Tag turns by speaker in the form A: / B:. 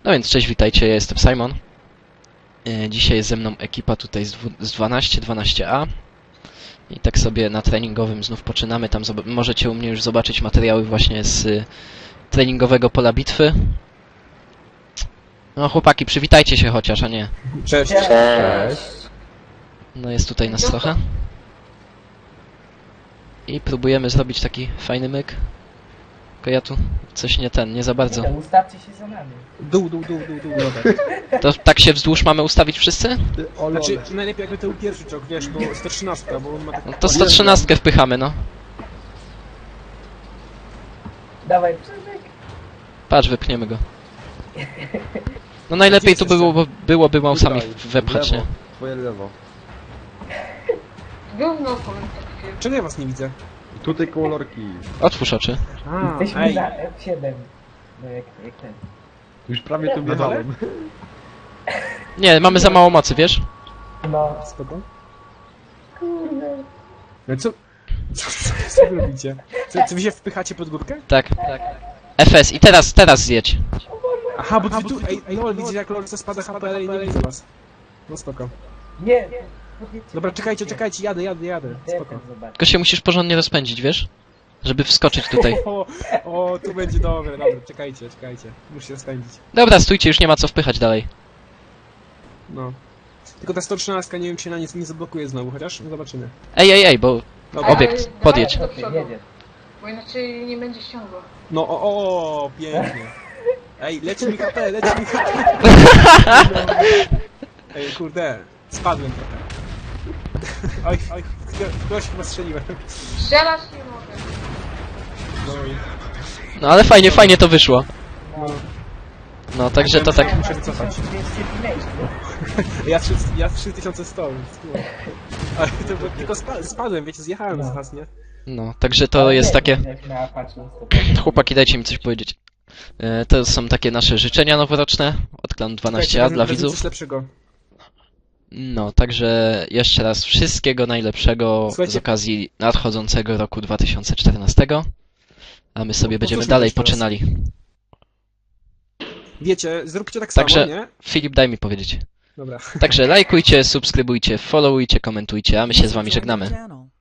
A: No więc cześć, witajcie, ja jestem Simon. Dzisiaj jest ze mną ekipa tutaj z 12A. I tak sobie na treningowym znów poczynamy. Tam możecie u mnie już zobaczyć materiały właśnie z treningowego pola bitwy. No chłopaki, przywitajcie się chociaż, a nie.
B: Cześć.
C: Cześć.
A: No jest tutaj nas trochę. I próbujemy zrobić taki fajny myk. Tylko ja tu coś nie za bardzo.
C: Nie, ustawcie się za nami.
B: Dół, dobra.
A: To tak się wzdłuż mamy ustawić wszyscy?
B: Znaczy, najlepiej jakby to był pierwszy czołg, wiesz, bo 113, bo on ma tak...
A: No to 113 wpychamy, no.
C: Dawaj, Przemek.
A: Patrz, wypchniemy go. No najlepiej tu byłoby mausami wepchać, nie?
D: Twoje lewo.
E: Gówno
B: Czego ja was nie widzę?
D: Tutaj koło lorki.
A: Otwórz oczy.
C: Jesteśmy
B: ej,
C: na F7. No jak ten.
D: Już prawie tu
B: Na dole?
D: wjechałem.
A: Nie, mamy za mało mocy, wiesz?
C: No,
B: spoko.
C: kurde.
B: No co wy robicie? Co wy się wpychacie pod górkę?
A: Tak. FS i teraz zjedź.
B: Aha, bo wy tu... Ej, LOL, widzicie jak LOL spada HP, ale nie widzę was. No spoko.
C: Nie.
B: Dobra, czekajcie, jadę. Spoko.
C: Zobacz.
A: Tylko się musisz porządnie rozpędzić, wiesz? Żeby wskoczyć tutaj.
B: O, tu będzie dobre, dobra, czekajcie. Muszę się spędzić.
A: Dobra, stójcie, już nie ma co wpychać dalej.
B: No. Tylko ta 113 nie wiem, czy na nic nie zablokuje znowu, chociaż zobaczymy.
A: Ej, bo
B: Dobra.
A: obiekt, podjedź.
E: do przodu,
C: Jedzie.
E: bo inaczej nie będzie ściągło.
B: No, pięknie. Ej, leci mi HP. Ej, kurde, spadłem trochę. Oj, ktoś chyba strzeliłem.
E: Strzelać nie mogę.
B: No i...
A: No ale fajnie to wyszło. No, także to tak.
B: Muszę wycofać.
C: 200
B: Ja 3100, więc tu. Ale to było, tylko spadłem, wiecie, zjechałem z was, nie?
A: No, także to jest takie.
C: Na Apache
A: Chłopaki, dajcie mi coś powiedzieć. To są takie nasze życzenia noworoczne od klanu 12A dla widzów.
B: Coś lepszego.
A: No, także jeszcze raz wszystkiego najlepszego z
B: Słuchajcie-
A: okazji nadchodzącego roku 2014. A my sobie będziemy
B: Powtórzmy
A: dalej
B: też teraz.
A: poczynali.
B: Wiecie, zróbcie tak
A: Także-
B: samo, nie?
A: Filip, daj mi powiedzieć.
B: Dobra.
A: Także lajkujcie, subskrybujcie, followujcie, komentujcie, a my się z wami żegnamy.